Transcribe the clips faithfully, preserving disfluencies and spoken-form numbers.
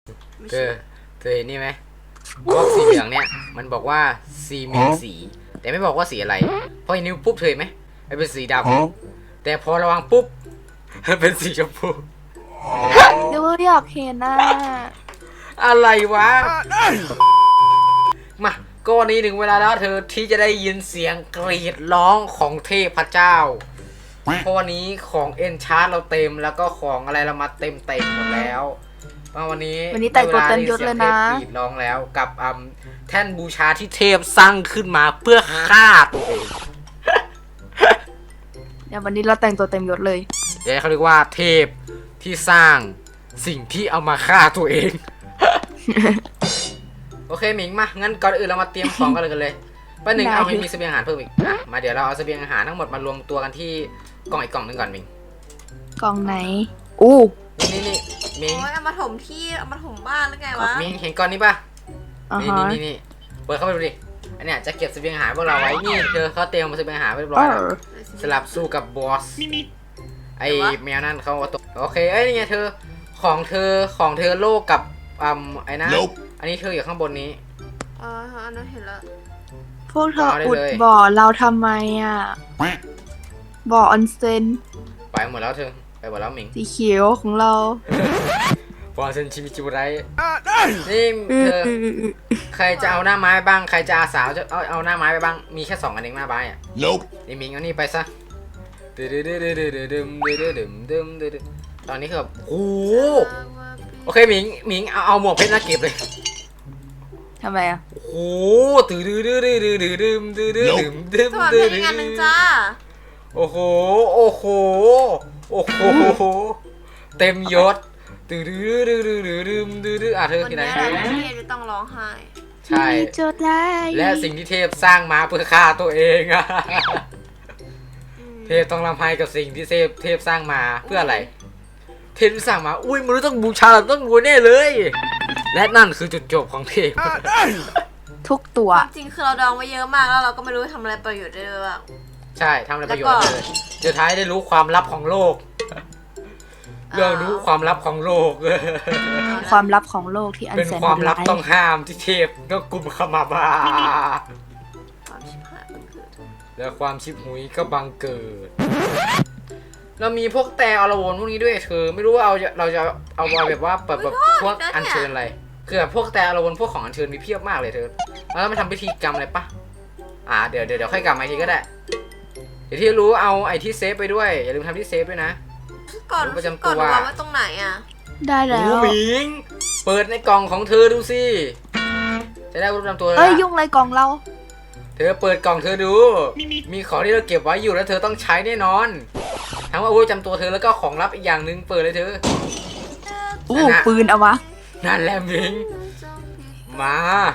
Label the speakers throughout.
Speaker 1: เธอเธอเห็นนี่ไหมบล็อกสีเหลืองเนี่ยมันบอกว่าซีมีสีแต่ไม่บอกว่าสีอะไรพอเห็นนิ้วปุ๊บเธอเห็นไหมมันเป็นสีดำแต่พอระวังปุ๊บมันเป็นสีชมพู
Speaker 2: เดี๋ยวอยากเห็นน่ะ
Speaker 1: อะไรวะมาก็วันนี้ถึงเวลาแล้วเธอที่จะได้ยินเสียงกรีดร้องของเทพเจ้าเพราะวันนี้ของเอ็นชาร์เราเต็มแล้วก็ของอะไรเรามาเต็มเต็มหมดแล้วมาวันนี้
Speaker 2: วันนี้แต่งตัวเต็มยศเลยนะ
Speaker 1: กรีดร้องแล้วกับอืมแท่นบูชาที่เทพสร้างขึ้นมาเพื่อฆ่าตัวเอง
Speaker 2: เดี๋ยววันนี้เราแต่งตัวเต็มยศเลย
Speaker 1: เดี๋ยวเขาเรียกว่าเทพที่สร้างสิ่งที่เอามาฆ่าตัวเอง โอเคหมิงมางั้นก่อนอื่นเรามาเตรียมของกันเลยกันเลยป้าหนึ่งเอาให้มีเสบียงอาหารเพิ่มอีกอ่ะมาเดี๋ยวเราเอาเสบียงอาหารทั้งหมดมารวมตัวกันที่กล่องอีกกล่องหนึงก่อนหมิง
Speaker 2: กล่องไหนอู้
Speaker 1: นี่นี่นี่หมิง
Speaker 3: โอ้ยเอามาถมที่เอามาถมบ้านแล้วไงวะ
Speaker 1: หมิงเห็นก้อนนี้ป่ะ
Speaker 2: อ่า
Speaker 1: นี่
Speaker 2: ฮะ
Speaker 1: นี่นี่นี่เปิดเข้าไปดูดิอันเนี้ยจะเก็บเสบียงอาหารพวกเราไว้นี่เธอเขาเตรียมเสบียงอาหารไว้เรียบร้
Speaker 2: เอ
Speaker 1: อยแล้ว
Speaker 2: อ
Speaker 1: สลับสู้กับบอสไอแมวนั่นเขาเอาตัวโอเคเอ้ยนี่ไงเธอของเธอของเธอโลกกับอืมไอ้นะ
Speaker 4: Nope
Speaker 1: อันนี้เธออยู่ข้างบนนี้
Speaker 3: อ๋ออันนั้นเห็นแล้ว
Speaker 2: พวกเธอ
Speaker 1: เอาได้
Speaker 2: อุด
Speaker 1: เลย
Speaker 2: บ่อเราทำไมอ่ะ บ่อออนเซ็น
Speaker 1: ไปหมดแล้วเธอไปหมดแล้วหมิง
Speaker 2: สีเขียวของเรา
Speaker 1: บอลเซนชิมิจิบุไรนี่
Speaker 2: อื
Speaker 1: เธ
Speaker 2: อ
Speaker 1: อ
Speaker 2: อืออืออือ
Speaker 1: ใครจะเอาหน้าไม้บ้างใครจะอาสาวจะเอาเอาหน้าไม้ไปบ้างมีแค่สองอันเองหน้าไม้อะ
Speaker 4: Nope
Speaker 1: นี่หมิงเอานี่ไปซะดึดึดึดึดึดึดึดึดึดึดึดึตอนนี้คือแบบโอ้โหโอเคหมิงหมิงเอาเอาหมวกเพชรนะเก็บเลย
Speaker 2: ทำไมอ่ะ
Speaker 1: โอ้โหตื่นดื้อดื้อดื้อดื้อดื้อดื้อดื้อดื้อดื้อดื้อ
Speaker 3: สวัส
Speaker 1: ดื้
Speaker 3: ดี
Speaker 1: อ
Speaker 3: อีกอันหนึ่งจ้า
Speaker 1: โอ้โหโอ้โหโอ้โหเต็มยศตื่นดื้อดื้อดื้อดื้อดื้อดื้อดื้ออ่ะเธอ
Speaker 3: วัน
Speaker 1: ที่ไหน
Speaker 3: นี้เราเทพจะต้องร้องไห้
Speaker 1: ใช่
Speaker 2: มีโจทย์ได้
Speaker 1: และสิ่งที่เทพสร้างมาเพื่อฆ่าตัวเองอะ
Speaker 3: อืม
Speaker 1: เทพต้องรำไห้กับสิ่งที่เทพเทพสร้างมาเพื่ออะไร เทพสร้างมาอุ้ยมนุษย์ต้องบูชาต้องบูแน่เลย และนั่นคือจุดจบของเทพ
Speaker 2: ทุกตัว
Speaker 3: จริงๆคือเราดองไว้เยอะมากแล้วเราก็ไม่รู้ทำอะไรประโยชน์ได้เลยบ้าง
Speaker 1: ใช่ทำอะไรประโยชน์เลยสุดท้ายได้รู้ความลับของโลกเรื่องรู้ความลับของโลก
Speaker 2: ความลับของโลกที่อัน
Speaker 1: เป็น
Speaker 2: แสน
Speaker 1: ความลับ
Speaker 2: ร้าย
Speaker 1: ต้องห้ามที่เทพต้องกุมขมาบา
Speaker 3: ความชิบหายมันคือ
Speaker 1: และความชิบหุยก็บังเกิด เรามีพวกแต่อรวนพวกนี้ด้วยคือไม่รู้ว่าเอาเราจะเอาไว้แบบว่าแบบแบบพวกอัญเชิญอะไรคือแบบพวกแต่อรวนพวกของอัญเชิญมีเพียบมากเลยเธอแล้วไม่ทำพิธีกรรมอะไรปะอ่าเดี๋ยวเดี๋ยวเดี๋ยวค่อยกลับมาอีกทีก็ได้เดี๋ยวที่รู้เอาไอ้ที่เซฟไปด้วยอย่าลืมทำที่เซฟด้วยนะ
Speaker 3: ก่อน
Speaker 1: ประจำตัว
Speaker 3: ก่อนวางไว้ตรงไหนอ่ะ
Speaker 2: ได้แล้
Speaker 1: โอ้
Speaker 2: ว
Speaker 1: หมิงเปิดในกล่องของเธอดูสิจะได้รู้ประจำตัวแล้ว
Speaker 2: เอ้ยยุ่งอะไรกล่องเรา
Speaker 1: เธอเปิดกล่องเธอดู มีของที่เราเก็บไว้อยู่แล้วเธอต้องใช้แน่นอนทั้งว่าอาวุธประจำตัวเธอแล้วก็ของลับอีกอย่างหนึ่งเปิดเลยเธอ
Speaker 2: อู้
Speaker 1: นั่นน่ะ
Speaker 2: ปืนเอาวะ
Speaker 1: นั่นแหละหมิงมา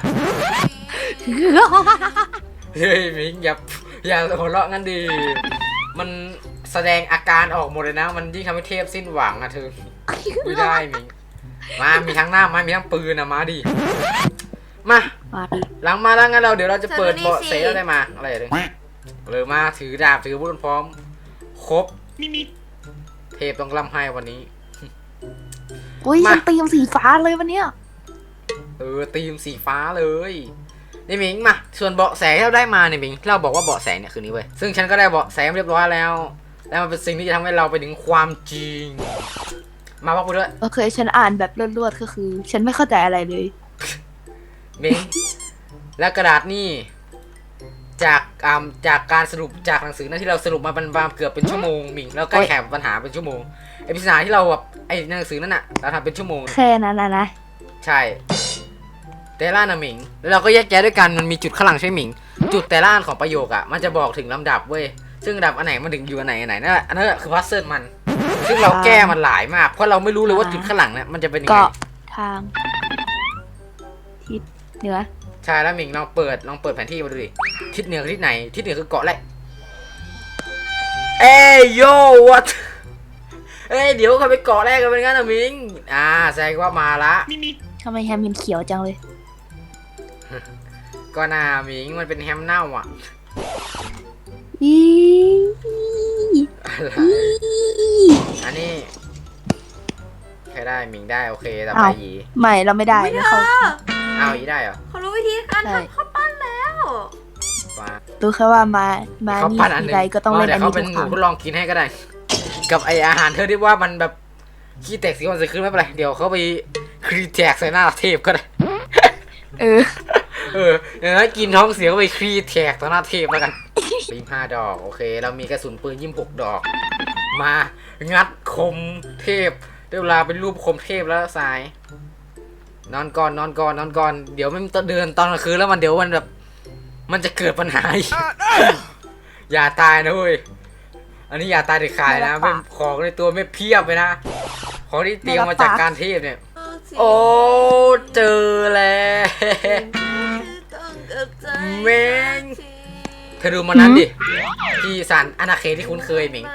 Speaker 1: เฮ้ยหมิงอย่าอย่าหัวเราะงั้นดีมันแสดงอาการออกหมดเลยนะ มันยิ่งทำให้เทพสิ้นหวังอะเธอไม่ได้หมิงมามีทั้งหน้าไม้มีทั้งปืนอะมาดิมา
Speaker 2: มาดิ
Speaker 1: หลังมาแล้วงั้นเราเดี๋ยวเราจะเปิดเบาะเสแล้วได้มาอะไรเลยเลยมาถือดาบถืออาวุธพร้อมครบเทพต้องร่ำไห้วันนี้
Speaker 2: อุ้ย
Speaker 1: มา
Speaker 2: ฉันตีมสีฟ้าเลยวันเนี้ย
Speaker 1: เออตีมสีฟ้าเลยนี่หมิงมาส่วนเบาะแสที่เราได้มาเนี่ยหมิงเราบอกว่าเบาะแสเนี่ยคือนี้เว้ยซึ่งฉันก็ได้เบาะแสเรียบร้อยแล้วแล้วมันเป็นสิ่งที่จะทำให้เราไปถึงความจริง มาบอกกูด้วย
Speaker 2: โอเคฉันอ่านแบบรวดๆก็คือ ฉันไม่เข้าใจอะไรเลย
Speaker 1: หมิงและกระดาษนี่จากอ่าจากการสรุปจากหนังสือนั้นที่เราสรุปมาเป็นเกือบเป็นชั่วโมงหมิงแล้วใกล้แข่ปัญหาเป็นชั่วโมงไอปริศนาที่เราแบบไอหนังสือนั่นน่ะเราทำเป็นชั่วโมง
Speaker 2: แค่นั้นนะนะ
Speaker 1: ใช่แต่ละนะหมิงแล้วเราก็แยกแยะด้วยกันมันมีจุดข้างหลังใช่หมิงจุดแต่ละอันของประโยคอ่ะมันจะบอกถึงลำดับเว้ยซึ่งลำดับอันไหนมันถึงอยู่อันไหนอันไหนนั่นแหละอันนั้นคือพัซเซิลมัน ซึ่งเราแก้มันหลายมากเพราะเราไม่รู้เลยว่าจุดข้างหลังเนี่ยมันจะเป็นยังไง
Speaker 2: เกาะทาง ทิศเหนือ
Speaker 1: ใช่แล้วหมิงลองเปิดลองเปิดแผนที่มาดูดิทิศเหนือคือทิศไหนทิศเหนือคือเกาะแรกเอ้ยโย่วัดเอ้ยเดี๋ยวเขาไปเกาะแรกกันเป็นงั้นนะหมิงอ่าแสดงว่ามาละ
Speaker 2: ทำไมแฮมเป็นเขียวจังเลย
Speaker 1: ก็น่าหมิงมันเป็นแฮมเน่าอ่ะ
Speaker 2: อี
Speaker 1: อะไรอันนี้ครได้หมิงได้โอเคต่อไป
Speaker 2: อ้าว
Speaker 1: หยี
Speaker 2: ไม่เราไม่ได้
Speaker 3: ไม่
Speaker 2: ไม่
Speaker 3: เธ
Speaker 2: เขา
Speaker 3: อ
Speaker 1: อ้าวหยีได้เหรอ
Speaker 3: เขารู้วิธีการ
Speaker 2: ใช่
Speaker 3: ทำข้าวปั้นแล้ว
Speaker 1: ว้า
Speaker 2: รู้แค่ว่ามามา
Speaker 1: เขา
Speaker 2: นี่
Speaker 1: ปั้นอันห
Speaker 2: ที
Speaker 1: นึง
Speaker 2: ไรก็ต้องเล่น
Speaker 1: เดี๋
Speaker 2: อั
Speaker 1: ยวน เขา
Speaker 2: นี้
Speaker 1: เป็
Speaker 2: ทุ
Speaker 1: น
Speaker 2: ก
Speaker 1: ห
Speaker 2: ค
Speaker 1: นู
Speaker 2: รั้ง
Speaker 1: ทดลองกินให้ก็ได้ กับไออาหารเธอที่ว่ามันแบบขี้แตกสีวันสีคืนไม่เป็นไรเดี๋ยวเขาไปครีแท็กใส่หน้าเทพก็ได้
Speaker 2: เออ
Speaker 1: เอออย่างนั้นกินท้องเสียก็ไปครีแท็กต่อหน้าเทพแล้วกันยิมห้าดอกโอเค เรามีกระสุนปืนยิมหกดอก มางัดคมเทพได้เวลาเป็นรูปคมเทพแล้วสาย นอนก่อนนอนก่อนนอนก่อนเดี๋ยวมันเดินตอนกลางคืนแล้วมันเดี๋ยวมันแบบ มันจะเกิดปัญหาอีก อย่าตายนะเว้ยอันนี้อย่าตายเด็ดขาดนะ
Speaker 2: ไม่
Speaker 1: เป็
Speaker 2: รั
Speaker 1: น
Speaker 2: บปาก
Speaker 1: ของในตัวไม่เพียบเลยนะของที่เตรียมมาจากการเทพเนี่ย โอ้เจอแล้ว แม่ง เธอดูมันนั้นดิ ที่สารอาณาเขตที่คุ้นเคยหมิง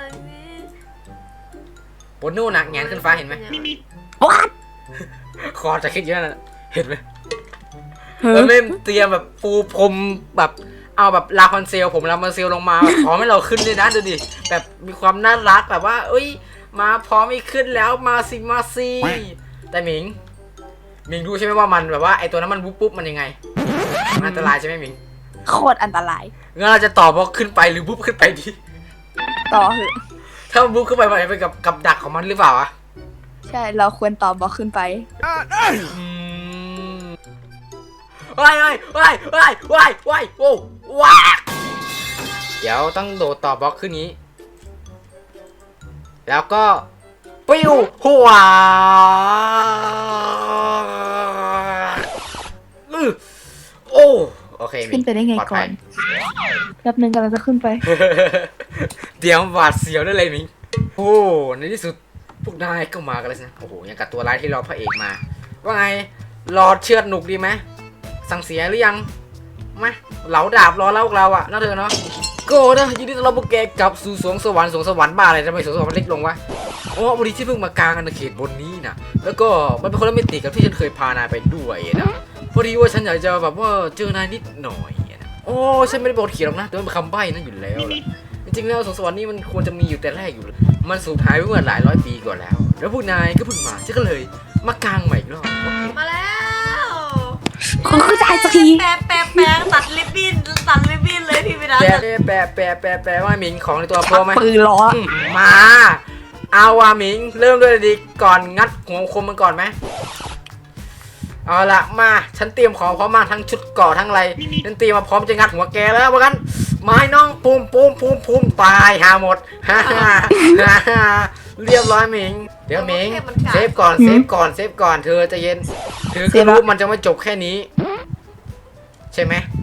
Speaker 1: บนนู่นน่ะแงนขึ้นฟ้าเห็นไหม
Speaker 2: What
Speaker 1: คอจะคิดเยอะนะเห็นไหม
Speaker 2: เฮ้
Speaker 1: แล้ว
Speaker 2: ย
Speaker 1: เล่มเตรียมแบบปูพรมแบบเอาแบบลาคอนเซลผมลาคอนเซลลงมาแบบพร้อมให้เราขึ้นเลยนะดูดิแบบมีความน่ารักแบบว่า เอ้ย มาพร้อมให้ขึ้นแล้วมาสิมาสิแต่หมิงหมิงรู้ใช่ไหมว่ามันแบบว่าไอตัวนั้นมันปุ๊บปุ๊บมันยังไงมันอันตรายใช่ไหมหมิง
Speaker 2: โคตรอันตราย
Speaker 1: งั้นเราจะตอบว่าขึ้นไปหรือปุ๊บขึ้นไปดี
Speaker 2: ต่อเหอะ
Speaker 1: ถ้ามันปุ๊บขึ้นไปมันจะไปกับกับดักของมันหรือเปล่าอะ
Speaker 2: ใช่เราควรตอบบอกขึ้นไป
Speaker 1: อืมว้ายว้ายว้ายว้ายว้ายว้ายโอ้ว้าเดี๋ยวต้องโดดต่อบล็อกขึ้นนี้ แล้วก็ปิ้วหัวอื้อโอ้โอเค
Speaker 2: ขึ้นไปได้ไง
Speaker 1: ปลอ
Speaker 2: ก่อ
Speaker 1: ภั
Speaker 2: น
Speaker 1: ย
Speaker 2: แป๊บนึงกำลังจะขึ้นไป
Speaker 1: เตรียมหวาดเสียวได้เลยมิงโอ้ในที่สุดพวกนายก็มากันแล้วสินะโอ้โหยังกับตัวร้ายที่รอพระเอกมา ว่าไงรอเชือดหนุกดีไหมสั่งเสียหรือยังมาเหลาดาบรอแล้วพวกเราอะน่าเธอเนาะก็นะยินดีต้อนรับพวกแกกลับสู่สวงสวรรค์สวงสวรรค์บ้าอะไรทำไมสวงสวรรค์มันเล็กลงวะอ๋อวันนี้ที่เพิ่งมากลางอาณาเขตบนนี้นะแล้วก็มันเป็นคนละมิติกับที่ฉันเคยพานายไปด้วยนะพอดีว่าฉันอยากจะแบบว่าเจอนายนิดหน่อยนะโอ้ฉันไม่ได้บอกเขียนหรอกนะแต่มันเป็นคำใบ้นั่นอยู่แล้วล่ะ จริงๆแล้วสวงสวรรค์นี่มันควรจะมีอยู่แต่แรกอยู่แล้วมันสูญหายไปเมื่อหลายร้อยปีก่อนแล้ว แล้วพวกนายก็เพิ่งมาฉันก็เลยมากางใหม่อีกรอบ
Speaker 3: มาแล้ว
Speaker 2: คุณคือจ่ายสักที
Speaker 3: แปะแปะแปะตัดริบบิ้นตัดริบบิ้นเลยพี่วิรัต
Speaker 1: แปะแปะแปะแปะแปะว่าหมิงของในตัวโปรไหม
Speaker 2: ปืนล้อ
Speaker 1: อืมมาเอาว่าหมิงเริ่มด้วยดีก่อนงัดหัวคมมันก่อนไหมเอาละมาฉันเตรียมของพร้อมมากทั้งชุดเกราะทั้งอะไรฉันเตรียมมาพร้อมจะงัดหัวแกแล้วว่ากันไม้น้องปูมปูมปูมปูมตายหาหมดฮ่าฮ่าฮ่าฮ่าเรียบร้อยหมิงเดี๋ยวหมิงเซฟก่อนเซฟก่อนเซฟก่อนเธอใจะเย็นเธอก็รู้มันจะไม่จบแค่นี้ ใช่ไหม